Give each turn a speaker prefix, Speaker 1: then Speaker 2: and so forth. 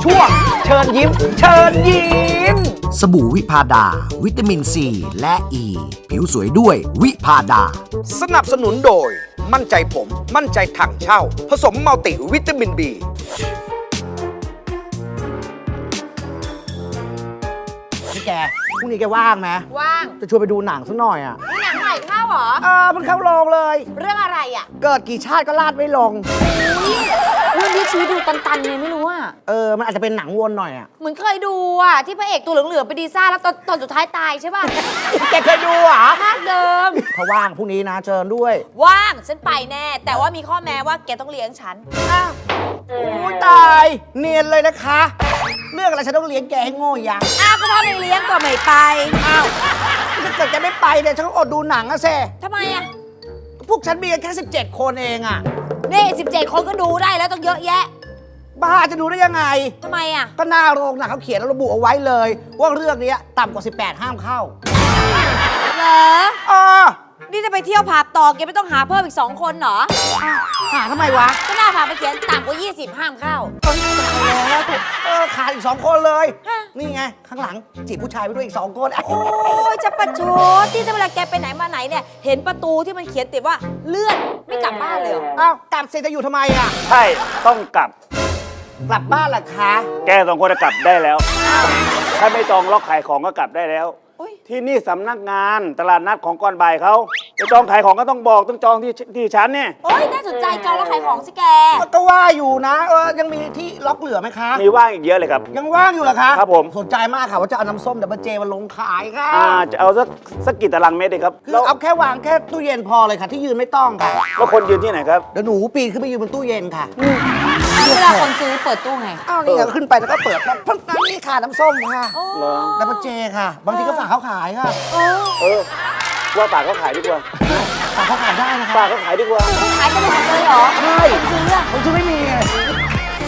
Speaker 1: ช่วงเชิญยิ้ม เชิญยิ้ม
Speaker 2: สบู่วิพาดา วิตามินซีและอ e. ีผิวสวยด้วยวิพาดา
Speaker 1: สนับสนุนโดย มั่นใจผม มั่นใจถังเช่า ผสมมัลติวิตามิน B พี่แกพรุ่งนี้แกว่างไหม
Speaker 3: ว่าง
Speaker 1: จะชวนไปดูหนังสักหน่อยอ่ะ
Speaker 3: นี่หนังใหม่เข้าเหรอ
Speaker 1: มันเข้าโรงเลย
Speaker 3: เรื่องอะไรอ่ะ
Speaker 1: เกิดกี่ชาติก็ลาดไม่ลง
Speaker 3: เรื่องที่ชีวิตดูตันๆไงไม่รู้อ่ะ
Speaker 1: มันอาจจะเป็นหนังวนหน่อยอ่ะ
Speaker 3: เหมือนเคยดูอ่ะ ที่พระเอกตัวเหลืองๆไปดีซ่าแล้วตอนสุดท้ายตายใช่ป่ะ
Speaker 1: แกเคยดูเหรอ
Speaker 3: ภาคเดิม
Speaker 1: ถ้าว่างพรุ่งนี้นะเชิญด้วย
Speaker 3: ว่างฉันไปแน่ แต่ว่ามีข้อแม้ว่าแกต้องเลี้ยงฉัน
Speaker 1: โอ้ยตายเนียนเลยนะคะ เรื่องอะไรฉันต้องเลี้ยงแกให้โง่ยัง
Speaker 3: อ้าวก็ถ้าไม่เลี้ยงก็ไม่ไป
Speaker 1: อ้าวถ้าเกิดแกไม่ไปเนี่ยฉันก็อดดูหนังอะเซ่
Speaker 3: ทำไมอ่ะ
Speaker 1: พวกฉันมีกันแค่17 คนเองอะ
Speaker 3: นี่17 คนก็ดูได้แล้วต้องเยอะแยะ
Speaker 1: บ้าจะดูได้ยังไง
Speaker 3: ทำไมอ่ะ
Speaker 1: ก็หน้าโรงหนังเขาเขียนระบุเอาไว้เลย ว่าเรื่องนี้ต่ำกว่า 18 ห้ามเข้า
Speaker 3: เหรอ
Speaker 1: อ๋อ
Speaker 3: นี่จะไปเที่ยวผับต่อแกไม่ต้องหาเพิ่มอีก2 คนเหรอ
Speaker 1: หาทำไมวะ
Speaker 3: ก็หน้าผับไปเขียนต่ำกว่า20ห้ามเข้า
Speaker 1: ขาดอีก2 คนเลย
Speaker 3: ฮะ
Speaker 1: นี่ไง ข้างหลังจีบผู้ชายไปด้วยอีก2 คน
Speaker 3: โอ้ยจะประชดที่เวลาแกไปไหนมาไหนเนี่ย เห็นประตูที่มันเขียนติดว่าเลื่อนไม่กลับบ้านเลยเหรอ
Speaker 1: อ้าวกลับเสร็จจะอยู่ทำไมอะ
Speaker 4: ใช่ ต้องกลับ
Speaker 1: กลับบ้านเหรอคะ
Speaker 4: แก2 คนจะกลับได้แล้ว ถ้าไม่จองล็อกขายของก็กลับได้แล้ว
Speaker 3: อุ๊ย
Speaker 4: ที่นี่สำนักงานตลาดนัดของก่อนบ่ายเขาจะจองขายของก็ต้องบอกต้องจองที่ชั้นเนี่ย
Speaker 3: โอ้ยน่าสนใจจองแล้วขายของสิแก
Speaker 1: ก็ว่าอยู่นะ ยังมีที่ล็อกเหลือไหมคะ
Speaker 4: มีว่างอีกเยอะเลยครับ
Speaker 1: ยังว่างอยู่เหรอคะ
Speaker 4: ครับผม
Speaker 1: สนใจมากค่ะว่าจะเอาน้ำส้มดับเบิลเจมาลงขายค่ะ
Speaker 4: จะเอาสักกี่ตารางเมตรดีครับ
Speaker 1: คือ
Speaker 4: แล้ว
Speaker 1: เอาแค่วางแค่ตู้เย็นพอเลยค่ะ ที่ยืนไม่ต้องค่ะ
Speaker 4: แล้วคนยืนที่ไหนครับ
Speaker 1: เดี๋ยวหนูปีนขึ้นไปยืนบนตู้เย็นค่ะ
Speaker 3: เวลาคนซื้อเปิดตู้ไง
Speaker 1: อ้าวนี่ไงขึ้นไปแล้วก็เปิดแล้วน้ำนี่ค่ะน้ำส้มค่ะ
Speaker 3: โอ้
Speaker 4: เหรอ
Speaker 1: ดับเบิลเจค่ะ บางทีก็ฝากเขาขายค่ะ
Speaker 3: โอ้
Speaker 4: ว่าฝากเขาขายดีกว่า
Speaker 1: ฝากเขาขายได้นะคะ
Speaker 4: ฝากเขาขายดีกว่า
Speaker 3: ขายกันไปหมดเลยเหรอ
Speaker 1: ใช่
Speaker 3: คนซื้ออะ
Speaker 1: ผมซื้อไม่มีไง